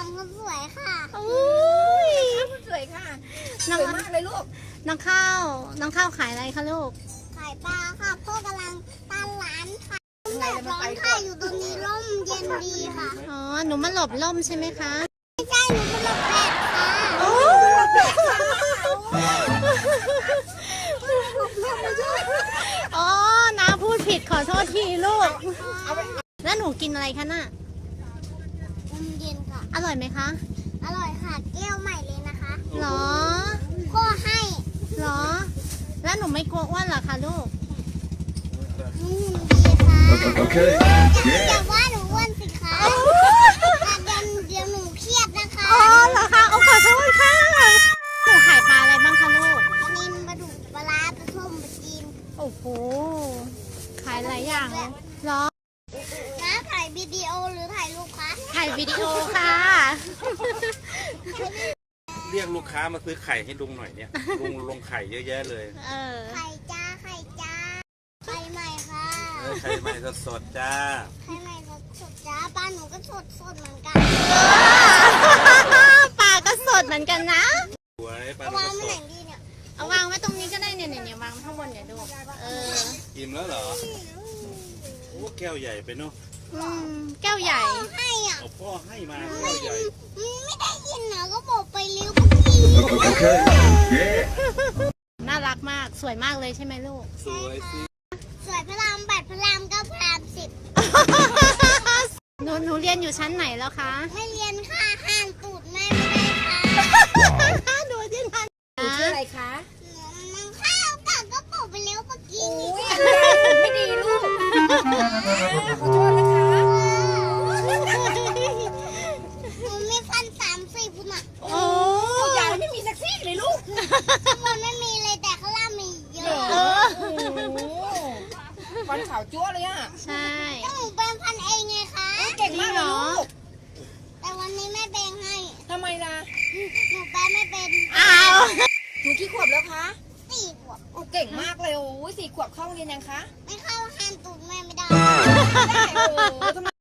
องคนสวยค่ะคนสวยค่ะสวยมากเลยลูกน้องข้าวขายอะไรคะลูกขายปลาค่ะพ่อกำลังตั้งร้านค่ะแดดร้อนค่ะอยู่ตรงนี้ร่มเย็นดีค่ะอ๋อหนูมาหลบร่มใช่ไหมคะไม่ใช่หนูมาหลบแดดค่ะอ๋อน้าพูดผิดขอโทษทีลูกแล้วหนูกินอะไรคะน่ะร่มเย็นค่ะอร่อยไหมคะอร่อยค่ะแก้วใหม่เลยนะคะหรอพ่อให้หรอแล้วหนูไม่กลัวอ้วนเหรอคะลูกดีค่ะแต่ว่าหนูอ้วนสิคะเดี๋ยวหนูเครียดนะคะอ๋อเหรอคะเอาขอโทษค่ะหนูขายปลาอะไรบ้างคะลูกปลานิลปลาดุกปลาร้าปลาส้มปลาจีนโอ้โหขายหลายอย่างเลยหรอน้าถ่ายวิดีโอหรือถ่ายรูปคะถ่ายวิดีโอค่ะเรียกลูกค้ามาซื้อไข่ให้ลุงหน่อยเนี่ยลุงลงไข่เยอะแยะเลยไข่จ้าไข่จ้าไข่ใหม่ค่ะไข่ใหม่สดจ้าไข่ใหม่สดจ้าปลาหนูก็สดเหมือนกันปลาก็สดเหมือนกันนะสวยปลาเอาวางไว้ไหนดีเนี่ยเอาวางไว้ตรงนี้ก็ได้เนี่ยวางข้างบนเนี่ยดูอิ่มแล้วเหรอโอ้แก้วใหญ่ไปเนาะแก้วใหญ่ให้อ่ะพ่อให้มาแก้วใหญ่ไม่ได้ยินเหรอก็บอกไปเร็วเมื่อกี้น่ารักมากสวยมากเลยใช่ไหมลูกสวยสิสวยพระราม8พระราม9พระราม10 หนูเรียนอยู่ชั้นไหนแล้วคะไม่เรียนค่ะห่างตูดแม่ไม่ได้ค่ะดูที่นั่นหนูชื่ออะไรคะมันข้าวกัก็บอกไปเร็วเมื่อกี้ไม่ดีลูกขอโทษนะคะหนูมีฟัน30พุ่นอ่ะโอ้ยายไม่มีสักซี่เลยลูกมันไม่มีเลยแต่ข้างล่างมีเยอะฟันขาวจั๊วเลยอ่ะใช่ก็หนูแปรงฟันเองไงคะเก่งมากเลยลูกแต่วันนี้แม่แปรงให้ทำไมล่ะหนูแปรงไม่เป็นอ้าวหนูกี่ขวบแล้วคะ 4 ขวบโอ้เก่งมากเลยโอ้ย4 ขวบเข้าเรียนยังคะไม่เข้าห่างตูดแม่ไม่ได้ได้โอ้